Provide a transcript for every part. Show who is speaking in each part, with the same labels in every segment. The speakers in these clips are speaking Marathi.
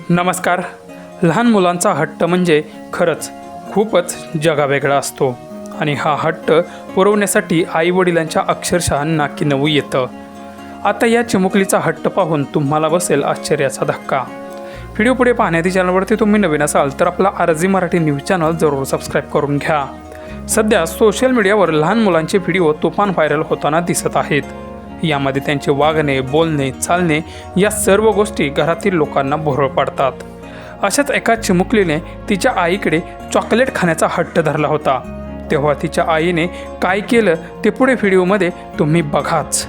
Speaker 1: नमस्कार. लहान मुलांचा हट्ट म्हणजे खरंच खूपच जगावेगळा असतो आणि हा हट्ट पुरवण्यासाठी आईवडिलांच्या अक्षरशः नाकी नऊ येतं. आता या चिमुकलीचा हट्ट पाहून तुम्हाला बसेल आश्चर्याचा धक्का. व्हिडिओ पुढे पाहण्याच्या चॅनलवरती तुम्ही नवीन असाल तर आपला आरजी मराठी न्यूज चॅनल जरूर सबस्क्राईब करून घ्या. सध्या सोशल मीडियावर लहान मुलांचे व्हिडिओ तुफान व्हायरल होताना दिसत आहेत. यामध्ये त्यांचे वागणे, बोलणे, चालणे या सर्व गोष्टी घरातील लोकांना भोरळ पाडतात. अशाच एका चिमुकलीने तिच्या आईकडे चॉकलेट खाण्याचा हट्ट धरला होता. तेव्हा तिच्या आईने काय केलं ते पुढे व्हिडिओमध्ये तुम्ही बघाच.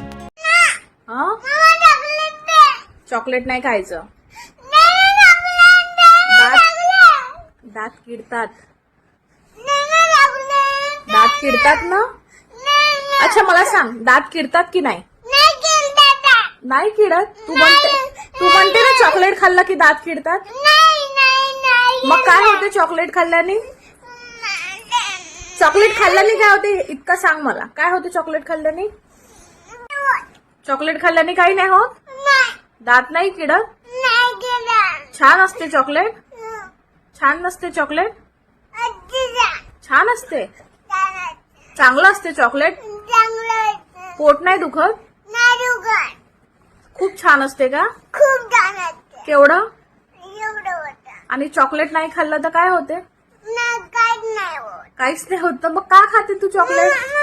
Speaker 2: चॉकलेट नाही खायचं. दात किडतात. दात किडतात ना. अच्छा मला सांग, दात किडतात की नाही? नाही किडत. तू म्हणते ना चॉकलेट खाल्लं की दात किडतात. मग काय होते चॉकलेट खाल्ल्याने? चॉकलेट खाल्ल्याने काय होते इतकं सांग मला. काय होते चॉकलेट खाल्ल्याने? चॉकलेट खाल्ल्याने काही नाही होत. दात नाही किडत. छान असते चॉकलेट. छान नसते चॉकलेट. छान असते. चांगलं असते चॉकलेट. पोट नाही दुखत. खूप छान असते का?
Speaker 3: खूप छान असते.
Speaker 2: केवढं?
Speaker 3: एवढं होतं.
Speaker 2: आणि चॉकलेट नाही खाल्लं तर काय होते?
Speaker 3: काहीच नाही होत.
Speaker 2: काहीच नाही होत. मग का खाते तू चॉकलेट?